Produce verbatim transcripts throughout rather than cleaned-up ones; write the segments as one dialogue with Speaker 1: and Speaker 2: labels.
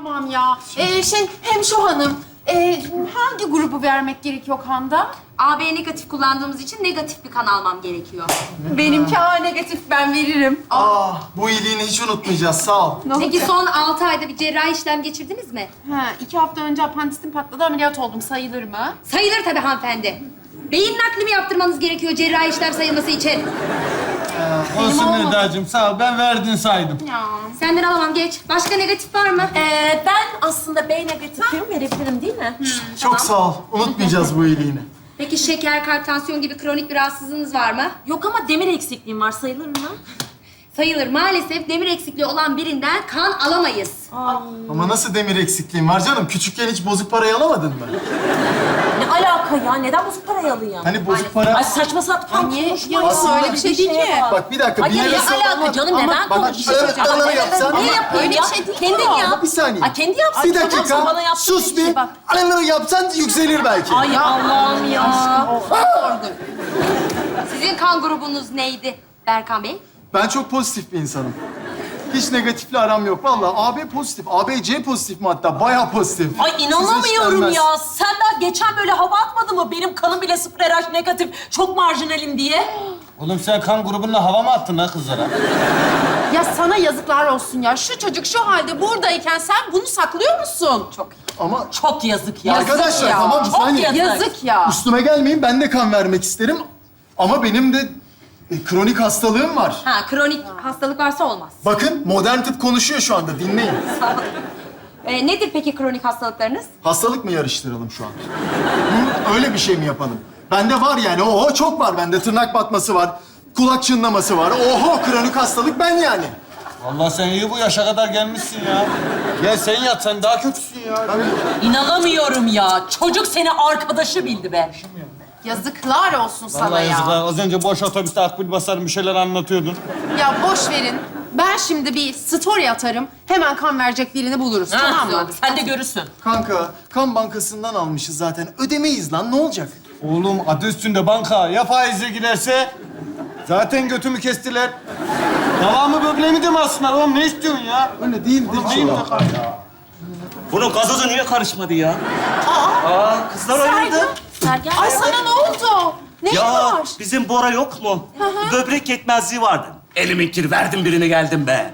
Speaker 1: Tamam ya. Ee, şey, hemşo hanım. Ee, hangi grubu vermek gerekiyor kanda?
Speaker 2: A B negatif kullandığımız için negatif bir kan almam gerekiyor.
Speaker 1: Benimki A negatif, ben veririm.
Speaker 3: Ah, bu iyiliğini hiç unutmayacağız. Sağ ol.
Speaker 2: Peki son altı ayda bir cerrahi işlem geçirdiniz mi?
Speaker 1: Ha, iki hafta önce apandisim patladı, ameliyat oldum. Sayılır mı?
Speaker 2: Sayılır tabii hanımefendi. Beyin nakli mi yaptırmanız gerekiyor cerrahi işlem sayılması için?
Speaker 4: Olsun
Speaker 1: olmadı.
Speaker 4: Eda'cığım sağ ol. Ben verdin saydım.
Speaker 1: Ya.
Speaker 2: Senden alamam, geç. Başka negatif var mı?
Speaker 5: Ee, ben aslında B negatifim, verebilirim değil mi?
Speaker 3: Çok sağ ol. Unutmayacağız bu iyiliğini.
Speaker 2: Peki şeker, kalp, tansiyon gibi kronik bir rahatsızlığınız var mı?
Speaker 5: Yok ama demir eksikliğim var, sayılır mı?
Speaker 2: Sayılır. Maalesef demir eksikliği olan birinden kan alamayız.
Speaker 3: Ama nasıl demir eksikliğin var canım? Küçükken hiç bozuk parayı alamadın mı?
Speaker 5: Ne alaka ya? Neden bozuk parayı alayım?
Speaker 3: Hani bozuk para...
Speaker 5: Ay saçma sapan
Speaker 1: Niye?
Speaker 5: konuşma
Speaker 1: Ya
Speaker 5: ya.
Speaker 1: öyle bir şey değil ki.
Speaker 5: bak.
Speaker 3: Bak bir dakika,
Speaker 5: Ay
Speaker 3: bir
Speaker 5: ya ne
Speaker 3: lirası
Speaker 5: alaka
Speaker 3: olan-
Speaker 5: canım? Neden
Speaker 3: Bak,
Speaker 5: konuşuyorsun?
Speaker 3: evet, bana yapsan-
Speaker 5: Niye yapıyorsun
Speaker 1: Öyle
Speaker 5: ya?
Speaker 1: bir şey değil
Speaker 5: Kendin
Speaker 1: o.
Speaker 5: yap.
Speaker 3: Bir saniye.
Speaker 5: Ay kendi yapsın.
Speaker 3: Bir dakika.
Speaker 5: Bana yaptığın
Speaker 3: Sus
Speaker 5: şey
Speaker 3: bir.
Speaker 5: bak.
Speaker 3: Alınları yapsan yükselir belki.
Speaker 5: Ay Allah'ım ya.
Speaker 2: Sizin kan grubunuz neydi Berkan Bey?
Speaker 3: Ben çok pozitif bir insanım. Hiç negatifle aram yok. Vallahi A B pozitif. A B C pozitif mi hatta? Bayağı pozitif.
Speaker 5: Ay
Speaker 3: Size
Speaker 5: inanamıyorum
Speaker 3: hiç
Speaker 5: ya. Sen daha geçen böyle hava atmadın mı? Benim kanım bile sıfır R H negatif. Çok marjinalim diye.
Speaker 4: Oğlum sen kan grubunla hava mı attın ha kızlara?
Speaker 1: Ya sana yazıklar olsun ya. Şu çocuk şu halde buradayken sen bunu saklıyor musun? Çok.
Speaker 3: Ama
Speaker 5: Çok yazık ya.
Speaker 3: arkadaşlar
Speaker 1: ya.
Speaker 3: tamam bir
Speaker 5: Çok
Speaker 3: saniye.
Speaker 5: yazık.
Speaker 1: Yazık ya.
Speaker 3: Üstüme gelmeyin. Ben de kan vermek isterim. Ama benim de e, kronik hastalığım var.
Speaker 2: Ha, kronik hastalık varsa olmaz.
Speaker 3: Bakın modern tıp konuşuyor şu anda. Dinleyin.
Speaker 2: Ee, nedir peki kronik hastalıklarınız?
Speaker 3: Hastalık mı yarıştıralım şu an? Hı? Öyle bir şey mi yapalım? Bende var yani. Oho çok var bende. Tırnak batması var. Kulak çınlaması var. Oho kronik hastalık ben yani.
Speaker 4: Vallahi sen iyi bu yaşa kadar gelmişsin ya. Gel sen yat, sen daha kötüsün ya.
Speaker 5: İnanamıyorum ya. Çocuk seni arkadaşı bildi be.
Speaker 1: Yazıklar olsun sana
Speaker 4: Vallahi
Speaker 1: ya.
Speaker 4: yazıklar. Az önce boş otobüste akbil basarım bir şeyler anlatıyordun.
Speaker 1: Ya boş verin. Ben şimdi bir story atarım. Hemen kan verecek birini buluruz. Tamam mı?
Speaker 5: Sen de görürsün.
Speaker 3: Kanka kan bankasından almışız zaten. Ödemeyiz lan ne olacak?
Speaker 4: Oğlum adı üstünde banka. Ya faizle giderse? Zaten götümü kestiler. Devamı böbreğimi de mi alsınlar oğlum? Ne istiyorsun ya?
Speaker 3: Öyle değildir
Speaker 4: Değil mi?
Speaker 6: Bunun gazozu niye karışmadı ya? Aa, kızlar oynadı.
Speaker 5: Sergen.
Speaker 1: Ay sana ne oldu? Ne
Speaker 6: Ya
Speaker 1: var?
Speaker 6: bizim Bora yok mu? Böbrek yetmezliği vardı. Elimin verdim birine geldim be.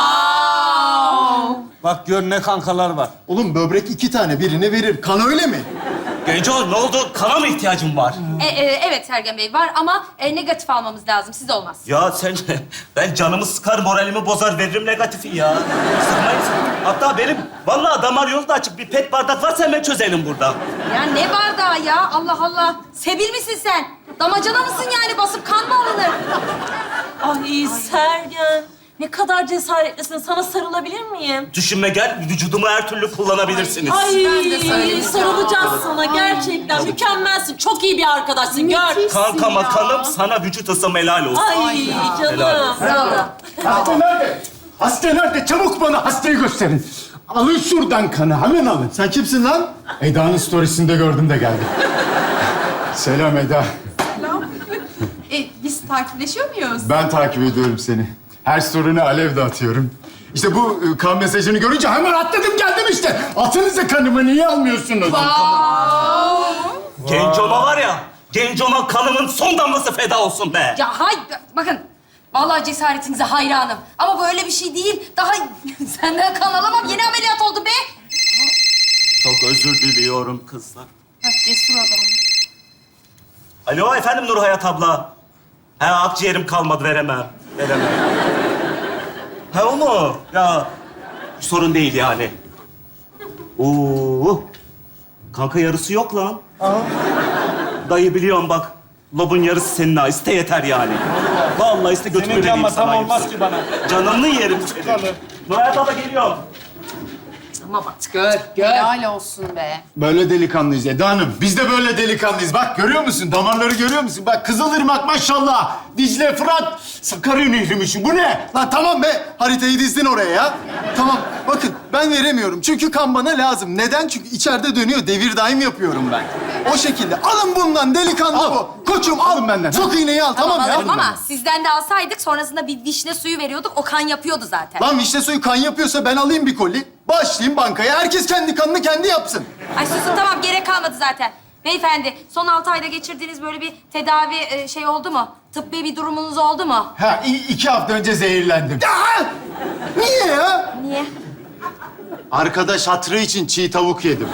Speaker 4: Bak gör ne kankalar var.
Speaker 3: Oğlum böbrek iki tane birini verir. Kan öyle mi?
Speaker 6: Genco ne oldu? Kana mı ihtiyacım var?
Speaker 2: E, e, evet Sergen Bey var ama e, negatif almamız lazım. Siz olmaz.
Speaker 6: Ya sen, ben canımı sıkar, moralimi bozar, veririm negatifi ya. Sıkmayın. Hatta benim vallahi damar yolu da açık. Bir pet bardak varsa hemen çözelim burada.
Speaker 2: Ya ne bardağı ya? Allah Allah. Sebil misin sen? Damacana mısın yani? Basıp kan mı alınır?
Speaker 5: Ay Sergen. Ne kadar cesaretlisin. Sana sarılabilir miyim?
Speaker 6: Düşünme gel, vücudumu her türlü kullanabilirsiniz.
Speaker 5: Ay
Speaker 1: Ben de sarılacağım.
Speaker 5: sarılacağız sana gerçekten. Mükemmelsin. Çok iyi bir arkadaşsın. Gör.
Speaker 6: Kankama
Speaker 1: ya.
Speaker 6: kanım, sana vücut ısım helal olsun.
Speaker 5: Ay canım.
Speaker 6: Helal.
Speaker 7: Hasta nerede? Hasta nerede? Çabuk bana hastayı gösterin. Alın şuradan kanı, hemen alın.
Speaker 3: Sen kimsin lan?
Speaker 7: Eda'nın storiesinde gördüm de geldim. Selam Eda.
Speaker 1: E, biz takipleşiyor muyuz?
Speaker 7: Ben takip ediyorum seni. Her story'ne alev de atıyorum. İşte bu e, kan mesajını görünce hemen atladım geldim işte. Atınıza kanımı niye almıyorsunuz?
Speaker 6: Gencoma var ya, Gencoma kanımın son damlası feda olsun be.
Speaker 2: Ya hay... Bakın. Vallahi cesaretinize hayranım. Ama böyle bir şey değil. Daha senden kan alamam. Yeni ameliyat oldum be.
Speaker 6: Çok özür diliyorum kızlar.
Speaker 1: Bak cesur adam.
Speaker 6: Alo efendim Nurhayat abla. He akciğerim kalmadı veremem. Veremem. He o mu? Ya sorun değil yani. Oo. Kanka yarısı yok lan. Dayı biliyorum bak. Lobun yarısı senin ha. İste yeter yani. Vallahi iste götümü
Speaker 4: Senin
Speaker 6: vereyim
Speaker 4: canma
Speaker 6: sana.
Speaker 4: tam olmaz
Speaker 6: hepsini.
Speaker 4: ki bana.
Speaker 6: Canını yerim senin. Nurhayat abla geliyorum.
Speaker 5: Tamam artık. Gör, gör.
Speaker 1: Helal olsun be.
Speaker 7: Böyle delikanlıyız Eda Hanım. Biz de böyle delikanlıyız. Bak görüyor musun? Damarları görüyor musun? Bak Kızılırmak maşallah. Dicle, Fırat, Sakarya Nehri'miş. Bu ne?
Speaker 3: Lan tamam be. Haritayı dizdin oraya ya. Tamam. Bakın ben veremiyorum. Çünkü kan bana lazım. Neden? Çünkü içeride dönüyor. Devir daim yapıyorum ben. O şekilde. Alın bundan delikanlı
Speaker 7: Al.
Speaker 3: bu. Koçum al.
Speaker 7: Alın benden,
Speaker 3: Sok iğneyi al tamam, ya.
Speaker 2: Alırım ama sizden de alsaydık sonrasında bir vişne suyu veriyorduk. O kan yapıyordu zaten.
Speaker 3: Lan vişne suyu kan yapıyorsa ben alayım bir koli. Başlayayım bankaya. Herkes kendi kanını kendi yapsın.
Speaker 2: Ay susun tamam gerek kalmadı zaten. Beyefendi son altı ayda geçirdiğiniz böyle bir tedavi e, şey oldu mu? Tıbbi bir durumunuz oldu mu?
Speaker 7: Ha, i- iki hafta önce zehirlendim.
Speaker 3: Ya! Niye ya?
Speaker 2: Niye?
Speaker 7: Arkadaş hatırı için çiğ tavuk yedim.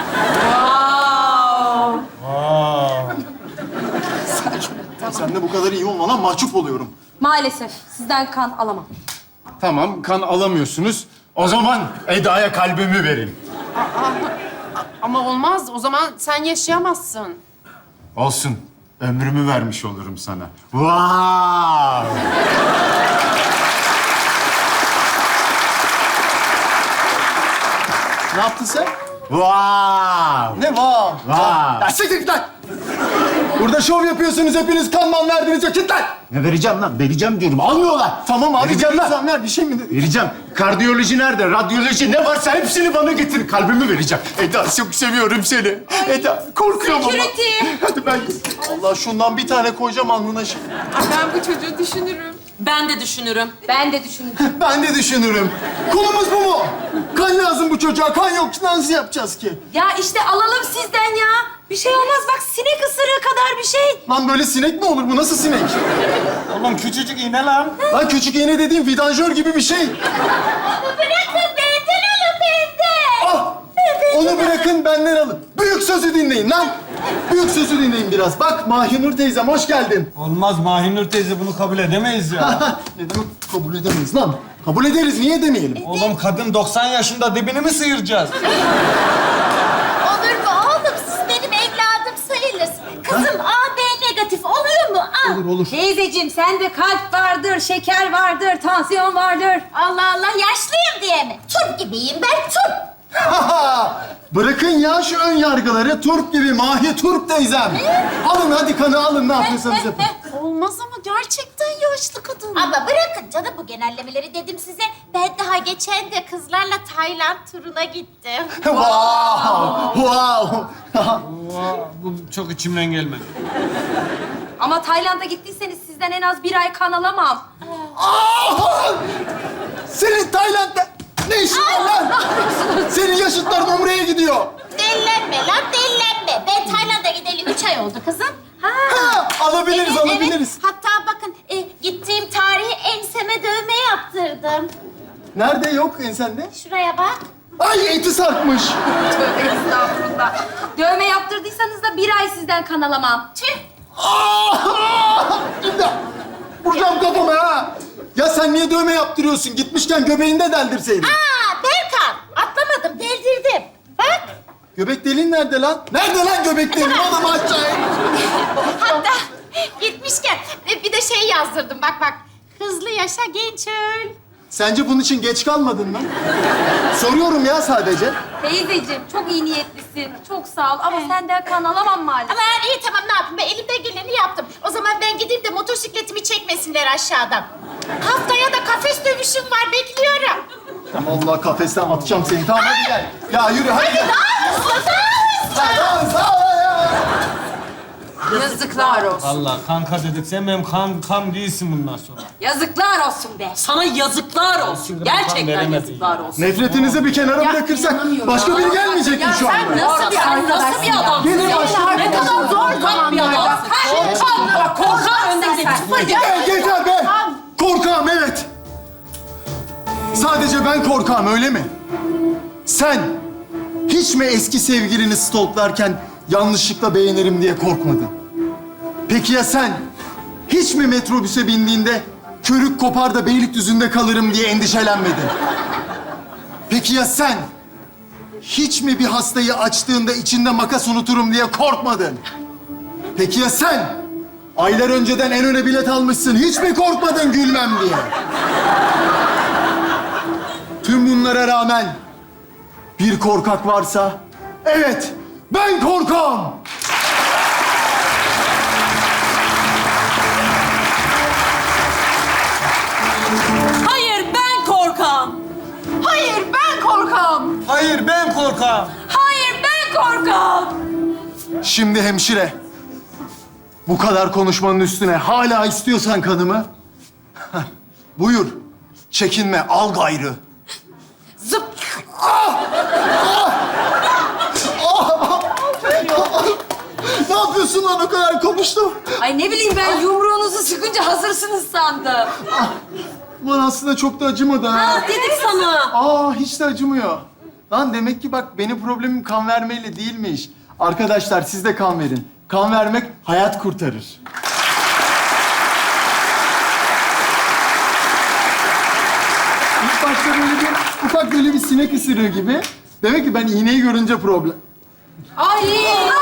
Speaker 3: Sen de bu kadar iyi olma lan. Mahcup oluyorum.
Speaker 2: Maalesef sizden kan alamam.
Speaker 7: Tamam, kan alamıyorsunuz. O zaman Eda'ya kalbimi verin.
Speaker 1: Ama olmaz. O zaman sen yaşayamazsın.
Speaker 7: Olsun. Ömrümü vermiş olurum sana. Vay!
Speaker 3: Ne yaptın sen?
Speaker 7: Vay!
Speaker 3: Ne var?
Speaker 7: Vay!
Speaker 3: Ya siktir git lan! Burada şov yapıyorsunuz hepiniz. Kanman verdiniz yok. Git lan!
Speaker 7: Ne vereceğim lan? Vereceğim diyorum. Almıyorlar.
Speaker 3: Tamam abi.
Speaker 7: Vereceğim lan.
Speaker 3: lütfen ver. Bir şey mi?
Speaker 7: Vereceğim. Kardiyoloji nerede? Radyoloji ne varsa hepsini bana getir. Kalbimi vereceğim. Eda çok seviyorum seni. Eda korkuyorum ama.
Speaker 2: Security.
Speaker 7: Hadi ben...
Speaker 3: Allah şundan bir tane koyacağım alnına şimdi.
Speaker 1: Ben bu çocuğu düşünürüm.
Speaker 5: Ben de düşünürüm.
Speaker 2: Ben de düşündüm.
Speaker 3: Ben de düşünürüm. Konumuz bu mu? Kan lazım bu çocuğa. Kan yok. Nasıl yapacağız ki?
Speaker 2: Ya işte alalım sizden ya. Bir şey olmaz bak sinek ısırığı kadar bir şey.
Speaker 3: Lan böyle sinek mi olur? Bu nasıl sinek?
Speaker 4: Oğlum küçücük iğne lan.
Speaker 3: Lan küçük iğne dediğim vidanjör gibi bir şey.
Speaker 2: Bırakın benden alın benden.
Speaker 3: Ah! Onu bırakın benden alın. Büyük sözü dinleyin lan. Büyük sözü dinleyin biraz. Bak Mahinur teyzem hoş geldin.
Speaker 4: Olmaz Mahinur teyze bunu kabul edemeyiz ya.
Speaker 3: Ne demek kabul edemeyiz lan? Kabul ederiz. Niye demeyelim?
Speaker 4: Oğlum kadın doksan yaşında dibini mi sıyıracağız?
Speaker 8: Olur mu oğlum? Siz benim evladım sayılırsınız. Kızım A B negatif oluyor mu? Aa.
Speaker 3: Olur olur.
Speaker 2: Teyzeciğim sende kalp vardır, şeker vardır, tansiyon vardır.
Speaker 8: Allah Allah yaşlıyım diye mi? Turp gibiyim ben turp.
Speaker 3: Bırakın ya şu ön yargıları. Turp gibi Mahi Turp teyzem. Alın hadi kanı alın. Ne yapıyorsanız yapın.
Speaker 1: Olmaz ama gerçekten yaşlı kadın.
Speaker 8: Ama bırakın canım bu genellemeleri dedim size. Ben daha geçen de kızlarla Tayland turuna gittim.
Speaker 3: Wow! Wow!
Speaker 4: Bu çok içimden gelmedi.
Speaker 2: Ama Tayland'a gittiyseniz sizden en az bir ay kan alamam.
Speaker 3: Ah! Senin Tayland'da ne işin var lan? Senin yaşıtların Umre'ye gidiyor.
Speaker 8: Dellenme lan dellenme. Ben Tayland'a gideli üç ay oldu kızım.
Speaker 3: Ha, alabiliriz,
Speaker 8: Evet,
Speaker 3: alabiliriz.
Speaker 8: evet. Hatta bakın e, gittiğim tarihi enseme dövme yaptırdım.
Speaker 3: Nerede yok ensende?
Speaker 8: Şuraya bak.
Speaker 3: Ay eti sarkmış.
Speaker 2: Tövbe estağfurullah. Dövme yaptırdıysanız da bir ay sizden kan alamam.
Speaker 8: Tüh.
Speaker 3: Ah! İmdat! Vuracağım kafama ha. Ya sen niye dövme yaptırıyorsun? Gitmişken göbeğinde deldirseydin.
Speaker 8: Aa Berkan atlamadım deldirdim. Bak.
Speaker 3: Göbek deliğin nerede lan? Nerede lan göbek deliğin? Oğlum aşağıya.
Speaker 8: Hatta gitmişken e, bir de şey yazdırdım bak bak. Hızlı yaşa genç öl.
Speaker 3: Sence bunun için geç kalmadın mı? Soruyorum ya sadece.
Speaker 2: Teyzeciğim çok iyi niyetlisin. Çok sağ ol ama senden kan alamam maalesef.
Speaker 8: Ama yani iyi tamam ne yapayım ben elimden geleni yaptım. O zaman ben gideyim de motosikletimi çekmesinler aşağıdan. Haftaya da kafes dövüşüm var bekliyorum.
Speaker 3: Allah kafesten atacağım seni. Tamam hadi gel. Ya yürü hadi.
Speaker 8: Hadi dans dans.
Speaker 3: Dans, dans.
Speaker 1: Yazıklar olsun.
Speaker 4: Allah kanka dedik. Sen benim kan, kan değilsin bundan sonra.
Speaker 2: Yazıklar olsun be.
Speaker 5: Sana yazıklar olsun.
Speaker 4: Şimdi ben kan
Speaker 5: Gerçekten
Speaker 4: veremedim.
Speaker 5: yazıklar olsun.
Speaker 3: Nefretinizi bir kenara bırakırsak başka biri gelmeyecek mi
Speaker 1: Ya
Speaker 3: şu
Speaker 1: sen
Speaker 3: anda?
Speaker 1: nasıl bir
Speaker 5: Sen nasıl bir adamsın?
Speaker 3: Gelin
Speaker 5: ya?
Speaker 3: başlayalım.
Speaker 5: Ne kadar zor tam bir adamsın. Korkak, korkak önde gidelim.
Speaker 3: Gel, yeter be! Korkağım, evet. Sadece ben korkağım, öyle mi? Sen hiç mi eski sevgilini stalklarken yanlışlıkla beğenirim diye korkmadın? Peki ya sen hiç mi metrobüse bindiğinde körük kopar da Beylikdüzü'nde kalırım diye endişelenmedin? Peki ya sen hiç mi bir hastayı açtığında içinde makas unuturum diye korkmadın? Peki ya sen? Aylar önceden en öne bilet almışsın. Hiç mi korkmadın gülmem diye? Tüm bunlara rağmen bir korkak varsa, evet ben korkağım.
Speaker 5: Hayır ben korkam.
Speaker 1: Hayır ben korkam.
Speaker 4: Hayır ben korkağım.
Speaker 2: Hayır ben korkam.
Speaker 3: Şimdi hemşire. Bu kadar konuşmanın üstüne hala istiyorsan kanımı. Buyur. Çekinme, al gayrı.
Speaker 2: Zıp.
Speaker 3: Ne yapıyorsun lan, o kadar konuştum.
Speaker 2: Ay ne bileyim ben yumruğunuzu sıkınca hazırsınız sandım.
Speaker 3: Ulan aslında çok da acımadı ha.
Speaker 5: Ah dedik sana.
Speaker 3: Aa, hiç de acımıyor. Lan demek ki bak, benim problemim kan vermeyle değilmiş. Arkadaşlar siz de kan verin. Kan vermek hayat kurtarır. İlk başta böyle bir ufak böyle bir sinek ısırığı gibi. Demek ki ben iğneyi görünce problem...
Speaker 2: Ay.